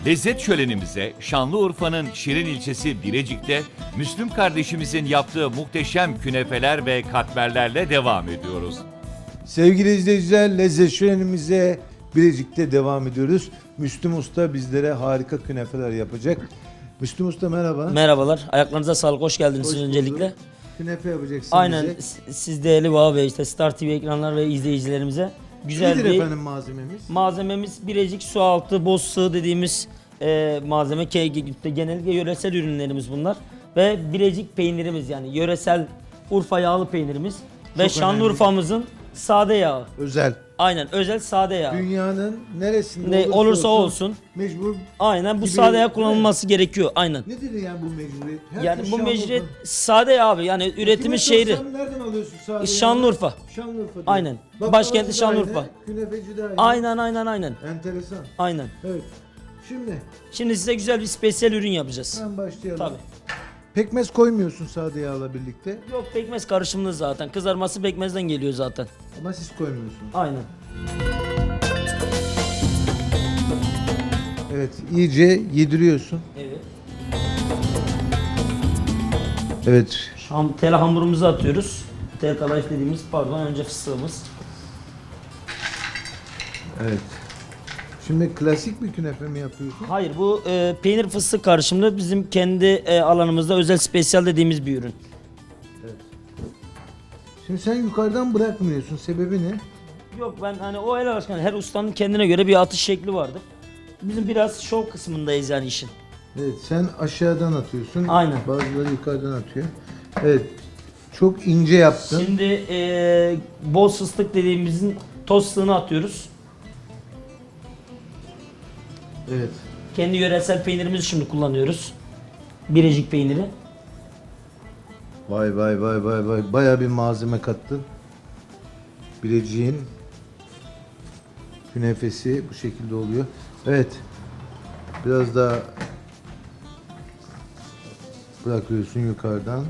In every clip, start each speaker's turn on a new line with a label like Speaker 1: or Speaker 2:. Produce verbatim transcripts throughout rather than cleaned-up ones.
Speaker 1: Lezzet şölenimize Şanlıurfa'nın Şirin ilçesi Birecik'te Müslüm kardeşimizin yaptığı muhteşem künefeler ve katmerlerle devam ediyoruz.
Speaker 2: Sevgili izleyiciler, lezzet şölenimize Birecik'te devam ediyoruz. Müslüm Usta bizlere harika künefeler yapacak. Müslüm Usta merhaba.
Speaker 3: Merhabalar. Ayaklarınıza sağlık. Hoş geldiniz
Speaker 2: Hoş
Speaker 3: siz
Speaker 2: bulduk.
Speaker 3: öncelikle.
Speaker 2: Künefe yapacaksın
Speaker 3: Aynen.
Speaker 2: bize.
Speaker 3: s- Siz değerli Vaha Bey, işte Star T V ekranlar ve izleyicilerimize güzel
Speaker 2: Nedir
Speaker 3: bir
Speaker 2: efendim malzememiz?
Speaker 3: malzememiz. Birecik su altı, boz sığ dediğimiz e, malzeme. Ke- Genellikle yöresel ürünlerimiz bunlar. Ve Birecik peynirimiz, yani yöresel Urfa yağlı peynirimiz. Ve
Speaker 2: Çok
Speaker 3: Şanlıurfa'mızın sade yağı.
Speaker 2: Özel.
Speaker 3: Aynen, özel sade yağı.
Speaker 2: Dünyanın neresinde
Speaker 3: Ne olursa olsun.
Speaker 2: mecbur.
Speaker 3: Aynen, bu
Speaker 2: Gibi-
Speaker 3: sade yağ kullanılması gerekiyor. Aynen.
Speaker 2: Nedir yani bu mecburiyet? Herkes
Speaker 3: Yani bu
Speaker 2: Şanlıurfa.
Speaker 3: mecburiyet sade yağ abi. Yani
Speaker 2: Kime
Speaker 3: üretimi şehri.
Speaker 2: sorsam nereden alıyorsun sade
Speaker 3: Şanlıurfa.
Speaker 2: Şanlıurfa diyor.
Speaker 3: Aynen.
Speaker 2: Baklavacı
Speaker 3: Başkenti
Speaker 2: da
Speaker 3: Şanlıurfa.
Speaker 2: aynı, Künefeci de aynı.
Speaker 3: Aynen aynen aynen.
Speaker 2: Enteresan.
Speaker 3: Aynen.
Speaker 2: Evet. Şimdi
Speaker 3: Şimdi size güzel bir spesiyel ürün yapacağız.
Speaker 2: hemen başlayalım.
Speaker 3: Tabii.
Speaker 2: Pekmez koymuyorsun sade yağla birlikte
Speaker 3: Yok, pekmez karışımlı zaten. Kızarması pekmezden geliyor zaten.
Speaker 2: ama siz koymuyorsunuz.
Speaker 3: Aynen.
Speaker 2: Evet, iyice yediriyorsun.
Speaker 3: Evet.
Speaker 2: Evet.
Speaker 3: Ham, tel hamurumuzu atıyoruz. Tel kadayıf dediğimiz, pardon, önce fıstığımız.
Speaker 2: Evet. Şimdi klasik bir künefe mi yapıyorsun?
Speaker 3: Hayır, bu e, peynir fıstık karışımlı bizim kendi e, alanımızda özel spesiyal dediğimiz bir ürün.
Speaker 2: Şimdi sen yukarıdan bırakmıyorsun. Sebebi ne?
Speaker 3: Yok, ben hani o el alışkanlığı, her ustanın kendine göre bir atış şekli vardır. Bizim biraz şov kısmındayız yani işin.
Speaker 2: Evet, sen aşağıdan atıyorsun.
Speaker 3: Aynen.
Speaker 2: Bazıları yukarıdan atıyor. Evet. Çok ince yaptın.
Speaker 3: Şimdi e, bol fıstık dediğimizin toz fıstığını atıyoruz.
Speaker 2: Evet.
Speaker 3: Kendi yöresel peynirimizi şimdi kullanıyoruz. Birecik peyniri.
Speaker 2: Vay vay vay vay vay. Bayağı bir malzeme kattın. Bilecik'in künefesi bu şekilde oluyor. Evet. Biraz daha bırakıyorsun yukarıdan.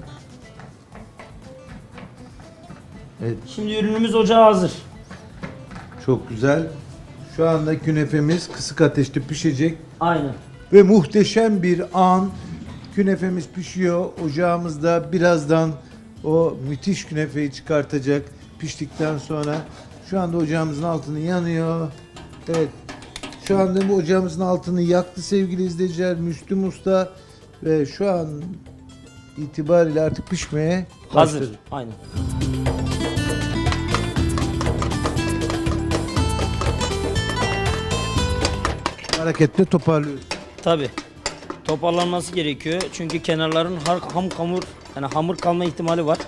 Speaker 2: Evet,
Speaker 3: Şimdi ürünümüz ocağa hazır.
Speaker 2: çok güzel. Şu anda künefemiz kısık ateşte pişecek
Speaker 3: Aynen.
Speaker 2: ve muhteşem bir an. Künefemiz pişiyor. Ocağımızda birazdan o müthiş künefeyi çıkartacak piştikten sonra. Şu anda ocağımızın altını yanıyor. Evet. Şu anda bu ocağımızın altını yaktı sevgili izleyiciler. Müslüm Usta ve şu an itibariyle artık pişmeye
Speaker 3: Hazır.
Speaker 2: başladı.
Speaker 3: Aynen.
Speaker 2: Hareketle toparlıyoruz.
Speaker 3: Tabi. Toparlanması gerekiyor. Çünkü kenarların har, ham hamur, yani hamur kalma ihtimali var.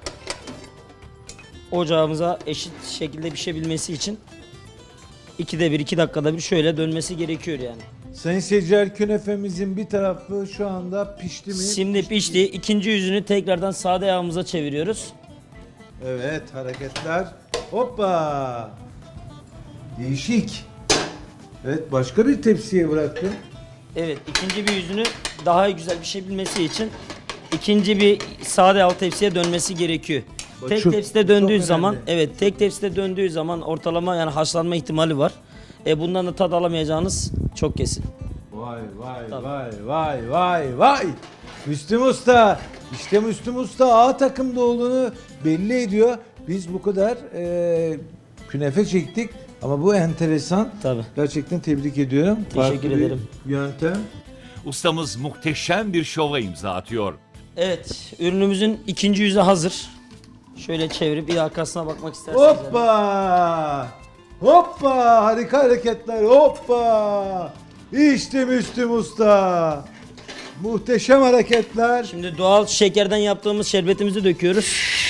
Speaker 3: Ocağımıza eşit şekilde pişebilmesi için ikide bir, iki dakikada bir şöyle dönmesi gerekiyor yani.
Speaker 2: Sayın seyirciler, künefemizin bir tarafı şu anda pişti mi?
Speaker 3: Şimdi pişti. İkinci yüzünü tekrardan sade yağımıza çeviriyoruz.
Speaker 2: Evet, hareketler. Hoppa. Değişik. Evet, başka bir tepsiye bıraktım.
Speaker 3: Evet, ikinci bir yüzünü daha güzel pişebilmesi için ikinci bir sade yağ tepsiye dönmesi gerekiyor.
Speaker 2: Bak
Speaker 3: Tek
Speaker 2: şu-
Speaker 3: tepside
Speaker 2: çok
Speaker 3: döndüğü
Speaker 2: önemli.
Speaker 3: zaman, evet, tek tepside döndüğü zaman ortalama yani haşlanma ihtimali var. E bundan da tad alamayacağınız çok kesin.
Speaker 2: Vay vay
Speaker 3: Tabii.
Speaker 2: vay vay vay vay. Müslüm Usta. İşte Müslüm Usta A takımda olduğunu belli ediyor. Biz bu kadar e, künefe çektik ama bu enteresan.
Speaker 3: Tabii.
Speaker 2: Gerçekten tebrik ediyorum.
Speaker 3: Teşekkür
Speaker 2: Farklı bir
Speaker 3: ederim.
Speaker 2: yöntem.
Speaker 1: Ustamız muhteşem bir şova imza atıyor.
Speaker 3: Evet, ürünümüzün ikinci yüzü hazır. Şöyle çevirip bir arkasına bakmak isterseniz. yani.
Speaker 2: Hoppa! Hoppa! Harika hareketler. Hoppa! İşte Müslüm Usta. Muhteşem hareketler.
Speaker 3: Şimdi doğal şekerden yaptığımız şerbetimizi döküyoruz.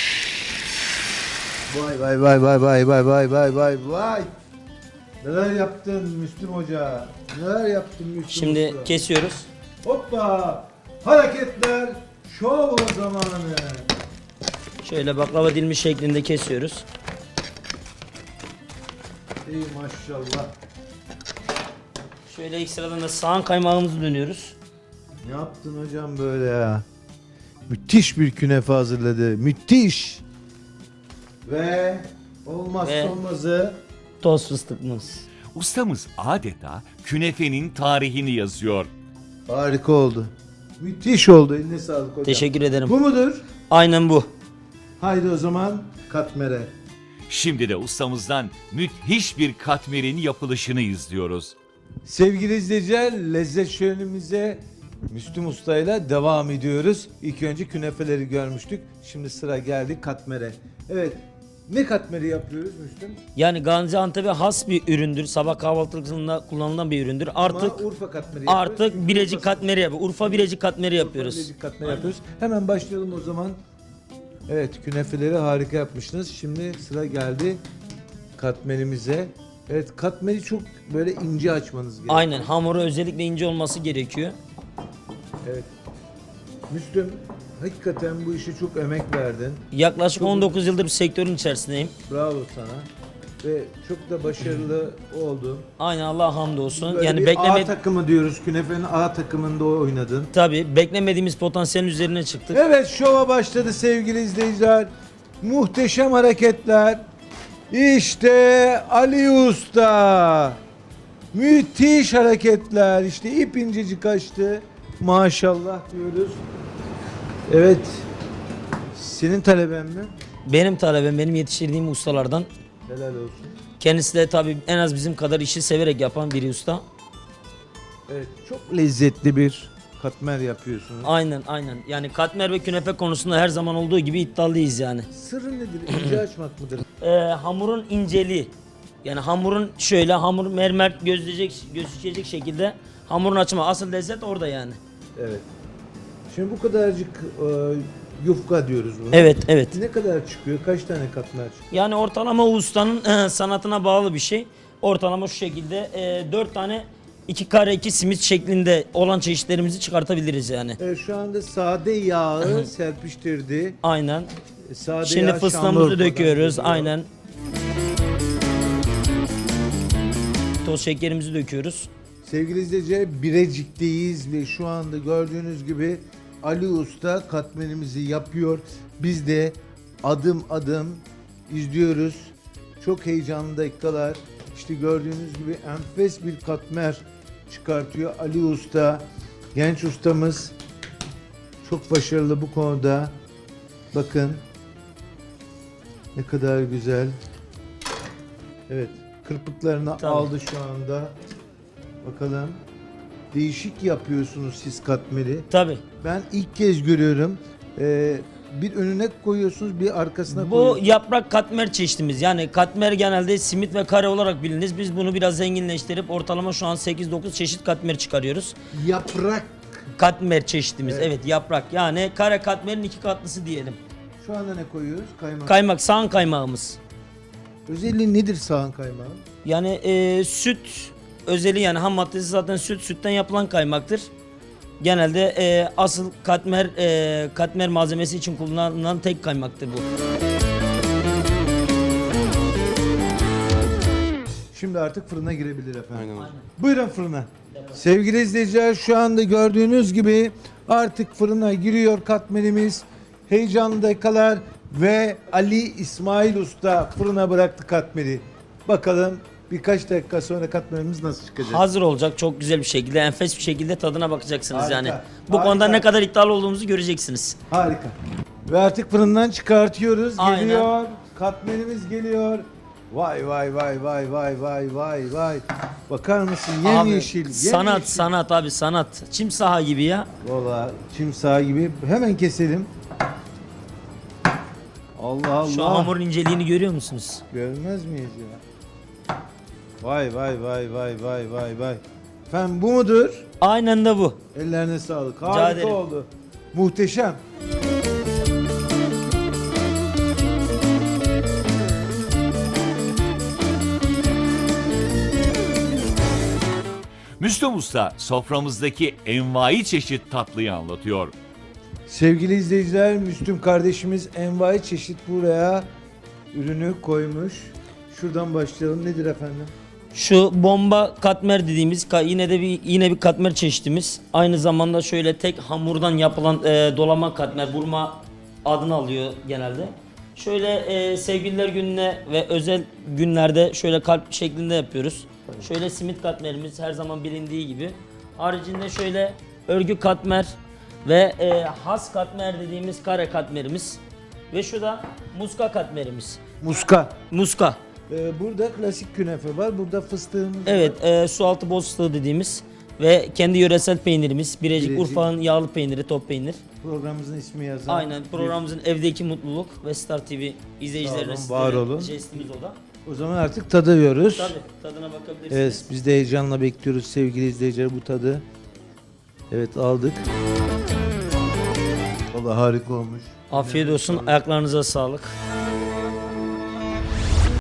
Speaker 2: Vay vay vay vay vay vay vay vay vay vay. Neler yaptın Müslüm Hoca? Neler yaptın Müslüm
Speaker 3: Şimdi
Speaker 2: Usta?
Speaker 3: kesiyoruz.
Speaker 2: Hoppa! Hareketler. Şov zamanı.
Speaker 3: Şöyle baklava dilimi şeklinde kesiyoruz.
Speaker 2: Ey maşallah.
Speaker 3: Şöyle ekstradan da soğan kaymağımızı dönüyoruz.
Speaker 2: Ne yaptın hocam böyle ya? Müthiş bir künefe hazırladı. Müthiş. Ve olmazsa
Speaker 3: Ve-
Speaker 2: olmazı
Speaker 3: Toz fıstıkımız.
Speaker 1: Ustamız adeta künefenin tarihini yazıyor.
Speaker 2: Harika oldu. Müthiş oldu. Eline sağlık hocam.
Speaker 3: Teşekkür ederim.
Speaker 2: Bu mudur?
Speaker 3: Aynen bu.
Speaker 2: Haydi o zaman katmere.
Speaker 1: Şimdi de ustamızdan müthiş bir katmerin yapılışını izliyoruz.
Speaker 2: Sevgili izleyiciler, lezzet şölenimize Müslüm Usta'yla devam ediyoruz. İlk önce künefeleri görmüştük. Şimdi sıra geldi katmere. Evet, ne katmeri yapıyoruz Müslüm?
Speaker 3: Yani Gaziantep'e has bir üründür. Sabah kahvaltısında kullanılan bir üründür. Artık
Speaker 2: Ama Urfa katmeri yapıyoruz.
Speaker 3: artık
Speaker 2: Çünkü
Speaker 3: Birecik
Speaker 2: Urfa-
Speaker 3: katmeri yapıyoruz. Urfa Birecik katmeri yapıyoruz.
Speaker 2: Bilecik katmeri yapıyoruz. Hemen başlayalım o zaman. Evet, künefeleri harika yapmışsınız. Şimdi sıra geldi katmerimize. Evet, katmeri çok böyle ince açmanız gerekiyor.
Speaker 3: Aynen, hamuru özellikle ince olması gerekiyor.
Speaker 2: Evet. Müslüm, hakikaten bu işe çok emek verdin.
Speaker 3: Yaklaşık on dokuz yıldır bu sektörün içerisindeyim.
Speaker 2: Bravo sana. Ve çok da başarılı oldu.
Speaker 3: Aynen, Allah hamdolsun.
Speaker 2: Böyle
Speaker 3: Yani
Speaker 2: bir A
Speaker 3: bekleme
Speaker 2: takımı diyoruz. Künefe'nin A takımında oynadın.
Speaker 3: tabii beklemediğimiz potansiyelin üzerine çıktık.
Speaker 2: Evet, şova başladı sevgili izleyiciler. Muhteşem hareketler. İşte Ali Usta. Müthiş hareketler. İşte ip incecik açtı. Maşallah diyoruz. Evet. Senin taleben mi?
Speaker 3: Benim talebem, benim yetiştirdiğim ustalardan.
Speaker 2: Helal olsun.
Speaker 3: Kendisi de tabii en az bizim kadar işi severek yapan bir usta.
Speaker 2: Evet, çok lezzetli bir katmer yapıyorsunuz.
Speaker 3: Aynen aynen. Yani katmer ve künefe konusunda her zaman olduğu gibi iddialıyız yani.
Speaker 2: Sırrı nedir? İnce açmak mıdır?
Speaker 3: Ee, hamurun inceliği. Yani hamurun şöyle hamur mermer gözleyecek, gözükecek şekilde hamurun açma. Asıl lezzet orada yani.
Speaker 2: Evet. Şimdi bu kadarcık e, yufka diyoruz buna.
Speaker 3: Evet evet.
Speaker 2: Ne kadar çıkıyor? Kaç tane katmer çıkıyor?
Speaker 3: Yani ortalama ustanın sanatına bağlı bir şey. Ortalama şu şekilde e, dört tane iki kare iki simit şeklinde olan çeşitlerimizi çıkartabiliriz yani.
Speaker 2: Evet, şu anda sade yağı serpiştirdi.
Speaker 3: Aynen.
Speaker 2: E, Sade
Speaker 3: Şimdi
Speaker 2: yağ
Speaker 3: fıstığımızı
Speaker 2: Şanlıurfa'dan
Speaker 3: döküyoruz.
Speaker 2: geliyor.
Speaker 3: Aynen. Toz şekerimizi döküyoruz.
Speaker 2: Sevgili izleyiciler, Birecik'teyiz ve şu anda gördüğünüz gibi Ali Usta katmerimizi yapıyor. Biz de adım adım izliyoruz. Çok heyecanlı dakikalar. İşte gördüğünüz gibi enfes bir katmer çıkartıyor Ali Usta. Genç ustamız çok başarılı bu konuda. Bakın ne kadar güzel. Evet, kırpıklarını
Speaker 3: Tabii.
Speaker 2: aldı şu anda. Bakalım. Değişik yapıyorsunuz siz katmeri.
Speaker 3: Tabii.
Speaker 2: Ben ilk kez görüyorum. Ee, bir önüne koyuyorsunuz, bir arkasına
Speaker 3: Bu
Speaker 2: koyuyorsunuz.
Speaker 3: yaprak katmer çeşitimiz. Yani katmer genelde simit ve kare olarak bilinir. Biz bunu biraz zenginleştirip ortalama şu an sekiz dokuz çeşit katmer çıkarıyoruz.
Speaker 2: Yaprak.
Speaker 3: Katmer çeşitimiz.
Speaker 2: Evet.
Speaker 3: Evet, yaprak. Yani kare katmerin iki katlısı diyelim.
Speaker 2: Şu anda ne koyuyoruz? Kaymak.
Speaker 3: Kaymak, sağan kaymağımız.
Speaker 2: Özelliği nedir sağan kaymağın?
Speaker 3: Yani e, süt özeli, yani ham maddesi zaten süt, sütten yapılan kaymaktır. Genelde e, asıl katmer e, katmer malzemesi için kullanılan tek kaymaktır bu.
Speaker 2: Şimdi artık fırına girebilir efendim.
Speaker 4: Aynen hocam.
Speaker 2: Buyurun fırına. Sevgili izleyiciler, şu anda gördüğünüz gibi artık fırına giriyor katmerimiz. Heyecanlı dakikalar ve Ali İsmail Usta fırına bıraktı katmeri. Bakalım birkaç dakika sonra katmerimiz nasıl çıkacak?
Speaker 3: Hazır olacak, çok güzel bir şekilde, enfes bir şekilde tadına bakacaksınız
Speaker 2: Harika,
Speaker 3: yani. Bu
Speaker 2: harika.
Speaker 3: konuda ne kadar iddialı olduğumuzu göreceksiniz.
Speaker 2: Harika. Ve artık fırından çıkartıyoruz.
Speaker 3: Aynen.
Speaker 2: Geliyor. Katmerimiz geliyor. Vay vay vay vay vay vay vay vay. Bakar mısın?
Speaker 3: Abi,
Speaker 2: Yemyeşil.
Speaker 3: sanat
Speaker 2: yemyeşil.
Speaker 3: sanat abi, sanat. Çim saha gibi ya.
Speaker 2: Valla çim sağı gibi. Hemen keselim. Allah Allah.
Speaker 3: Şu hamurun inceliğini görüyor musunuz?
Speaker 2: Görmez miyiz ya? Vay vay vay vay vay vay vay. Efendim bu mudur?
Speaker 3: Aynen de bu.
Speaker 2: Ellerine sağlık.
Speaker 3: Rica
Speaker 2: Harika
Speaker 3: ederim.
Speaker 2: oldu. Muhteşem.
Speaker 1: Müslüm Usta soframızdaki envai çeşit tatlıyı anlatıyor.
Speaker 2: Sevgili izleyiciler, Müslüm kardeşimiz envai çeşit buraya ürünü koymuş. Şuradan başlayalım. Nedir efendim?
Speaker 3: Şu bomba katmer dediğimiz ka- yine de bir yine bir katmer çeşitimiz. Aynı zamanda şöyle tek hamurdan yapılan e, dolama katmer, burma adını alıyor genelde. Şöyle e, sevgililer gününe ve özel günlerde şöyle kalp şeklinde yapıyoruz. Şöyle simit katmerimiz her zaman bilindiği gibi. Haricinde şöyle örgü katmer ve e, has katmer dediğimiz kare katmerimiz. Ve şu da muska katmerimiz.
Speaker 2: Muska.
Speaker 3: Muska.
Speaker 2: Ee, burada klasik künefe var. Burada fıstığımız
Speaker 3: Evet,
Speaker 2: var.
Speaker 3: e, su altı boz fıstığı dediğimiz ve kendi yöresel peynirimiz. Birecik,
Speaker 2: Birecik.
Speaker 3: Urfa'nın yağlı peyniri, top peynir.
Speaker 2: Programımızın ismi yazan.
Speaker 3: Aynen, programımızın Evdeki Mutluluk ve Star T V izleyicilerine
Speaker 2: Sağ olun, var
Speaker 3: sizlere
Speaker 2: olun.
Speaker 3: jestimiz o da.
Speaker 2: O zaman artık tadıyoruz.
Speaker 3: Tabii, tadına bakabilirsiniz.
Speaker 2: Evet, biz de heyecanla bekliyoruz sevgili izleyiciler bu tadı. Evet, aldık. Vallahi harika olmuş.
Speaker 3: Afiyet olsun, ayaklarınıza sağlık.